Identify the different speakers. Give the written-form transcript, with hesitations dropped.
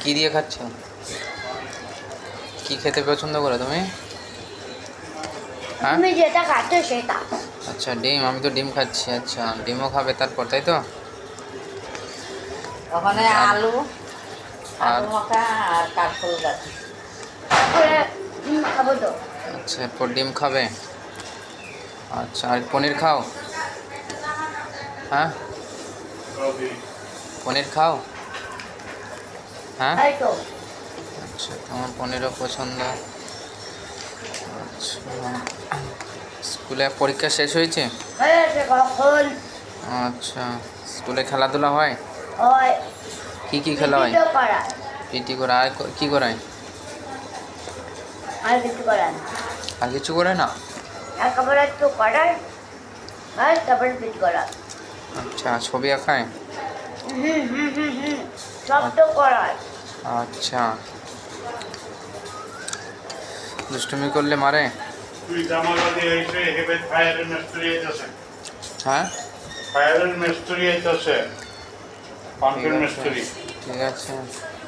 Speaker 1: কি দিয়ে খাচ্ছ? কি খেতে পছন্দ করো তুমি? হ্যাঁ,
Speaker 2: তুমি যেটা খাচ্ছ সেটা।
Speaker 1: আচ্ছা ডিম, আমি তো ডিম খাচ্ছি। আচ্ছা ডিমও খাবে তারপর, তাই তো?
Speaker 3: ওখানে
Speaker 1: আর
Speaker 3: আলু
Speaker 1: আর
Speaker 3: আলু মাখা আর কাঠফুল গাছ।
Speaker 2: তারপরে খাবো তো।
Speaker 1: আচ্ছা এরপর ডিম খাবে। আচ্ছা আর পনির খাও? হ্যাঁ, পনির খাও? হ্যাঁ,
Speaker 2: তাই তো।
Speaker 1: আচ্ছা তোমার পনিরও পছন্দ। আচ্ছা, স্কুলে পরীক্ষা শেষ হয়েছে?
Speaker 2: হয়েছে কখন?
Speaker 1: আচ্ছা, স্কুলে খেলাধুলা হয়?
Speaker 2: হয়।
Speaker 1: কি কি খেলা হয়?
Speaker 2: পিটি তো করায়।
Speaker 1: পিটি করে, আর কি করায়?
Speaker 2: আর কিছু করায় না।
Speaker 1: আর কিছু করে না?
Speaker 2: একেবারে একটু করায় আর তারপরে পিটি করায়।
Speaker 1: আচ্ছা ছবি আঁকায়?
Speaker 2: সব তো করায়।
Speaker 1: আচ্ছা, দুষ্টুমি করলে মারে?
Speaker 4: তুই জামালবাদী হয়েছে হেবে ফায়ারের মিস্ত্রি আইতেছে।
Speaker 1: হ্যাঁ,
Speaker 4: ফায়ারের মিস্ত্রি আইতেছে। পাম্পের
Speaker 1: ঠিক আছে,
Speaker 4: মিস্ত্রি।
Speaker 1: ঠিক আছে।